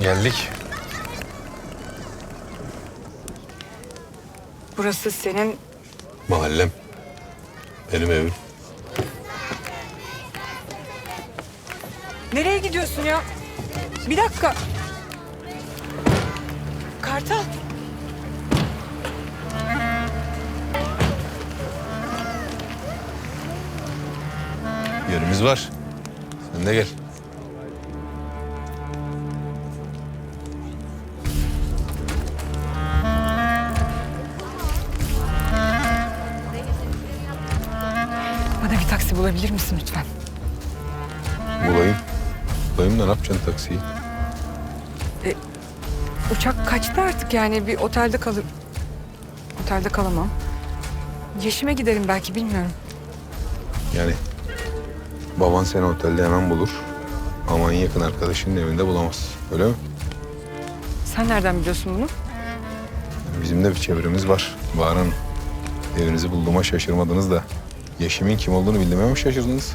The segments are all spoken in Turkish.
Geldik. Burası senin... Mahallem. Benim evim. Nereye gidiyorsun ya? Bir dakika. Kartal. Yerimiz var. Sen de gel. Bana bir taksi bulabilir misin lütfen? Bulayım. Bulayım da ne yapacaksın taksiyi? Uçak kaçtı artık yani bir otelde kalır. Otelde kalamam. Yeşime giderim belki bilmiyorum. Yani baban seni otelde hemen bulur. Ama en yakın arkadaşının evinde bulamaz. Öyle mi? Sen nereden biliyorsun bunu? Bizim de bir çevremiz var. Bahar Hanım. Evinizi bulduğuma şaşırmadınız da Yeşim'in kim olduğunu bildiğime mi şaşırdınız?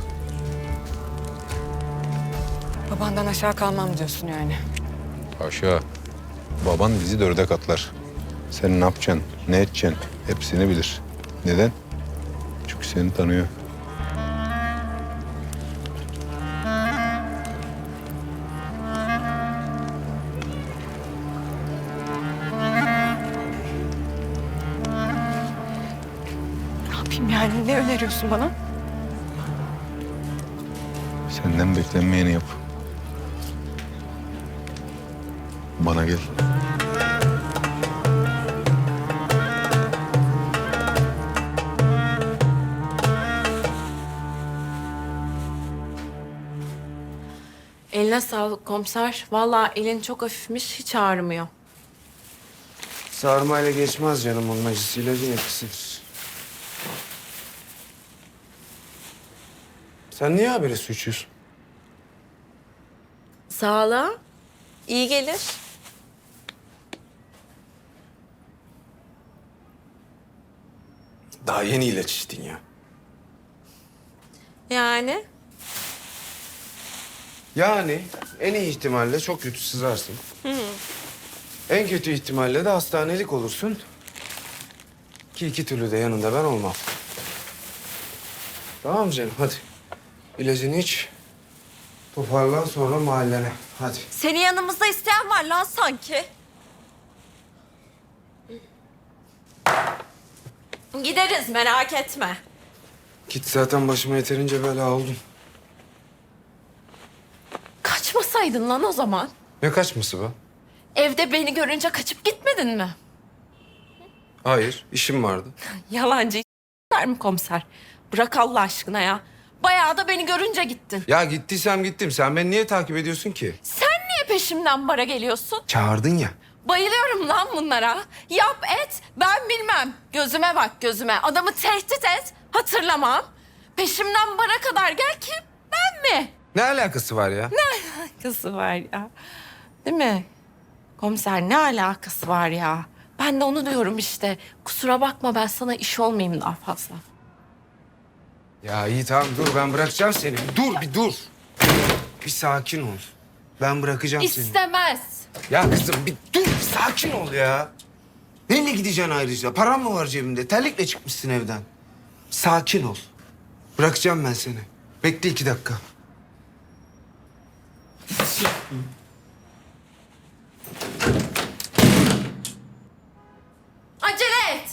Babandan aşağı kalmam diyorsun yani. Haşa. Baban bizi dörde katlar. Sen ne yapacaksın, ne edeceksin hepsini bilir. Neden? Çünkü seni tanıyor. Ne yapayım yani? Ne öneriyorsun bana? Senden beklenmeyeni yap. Bana gel. Eline sağlık komiser. Vallahi elin çok hafifmiş, hiç ağrımıyor. Sarmayla geçmez canım onun acısı. İlacın etkisidir. Sen niye haberi su içiyorsun? Sağlığa iyi gelir. Daha yeni ilaç içtin ya. Yani Yani en iyi ihtimalle çok kötü sızarsın. En kötü ihtimalle de hastanelik olursun. Ki iki türlü de yanında ben olmam. Tamam mı canım? Hadi. İlacını iç. Toparlan sonra mahallene. Hadi. seni yanımızda isteyen var lan sanki. Gideriz merak etme. Git zaten başıma yeterince bela oldun. Kaçmasaydın lan o zaman. Ne kaçması be? Evde beni görünce kaçıp gitmedin mi? Hayır, işim vardı. Yalancı der mi komiser? Bırak Allah aşkına ya. Bayağı da beni görünce gittin. Ya gittiysem gittim. Sen beni niye takip ediyorsun ki? Sen niye peşimden bara geliyorsun? Çağırdın ya. Bayılıyorum lan bunlara. Yap et, ben bilmem. Gözüme bak gözüme. Adamı tehdit et, hatırlamam. Peşimden bara kadar gel kim? Ben mi? Ne alakası var ya? Alakası var ya. Değil mi? Komiser ne alakası var ya? Ben de onu diyorum işte. Kusura bakma ben sana iş olmayayım daha fazla. Ya iyi tamam dur ben bırakacağım seni. Dur bir dur. Bir sakin ol. Ben bırakacağım seni. İstemez. Ya kızım bir dur bir sakin ol ya. Neyle gideceksin ayrıca? Param mı var cebimde? Terlikle çıkmışsın evden. Sakin ol. Bırakacağım ben seni. Bekle 2 dakika. Acele et.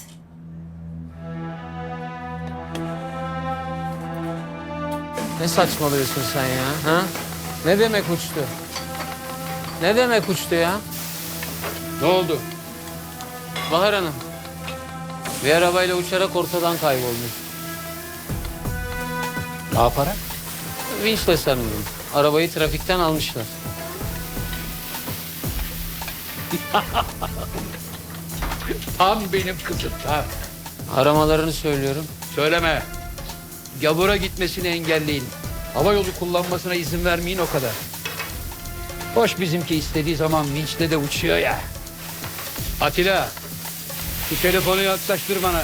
Ne saçmalıyorsun sen ya? Ha? Ne demek uçtu? Ne demek uçtu ya? Ne oldu? Bahar Hanım. Bir arabayla uçarak ortadan kaybolmuş. Ne yaparak? Vinçle sanırım. Arabayı trafikten almışlar. Tam benim kızım, tam. Aramalarını söylüyorum. Söyleme. Gavura gitmesini engelleyin. Hava yolu kullanmasına izin vermeyin o kadar. Hoş bizimki istediği zaman vinçle de uçuyor ya. Atilla, şu telefonu yaklaştır bana.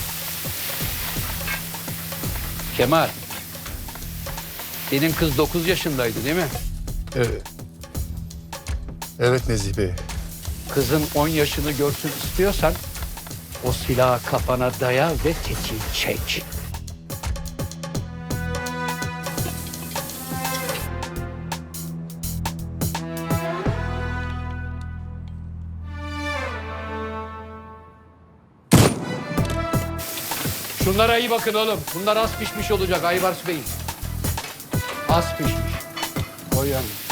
Kemal, senin kız 9 yaşındaydı değil mi? Evet. Evet Nezih Bey. Kızın 10 yaşını görsün istiyorsan o silahı kafana daya ve tetiği çek. Şunlara iyi bakın oğlum. Bunlar az pişmiş olacak Aybars Bey. Az pişmiş. O yani.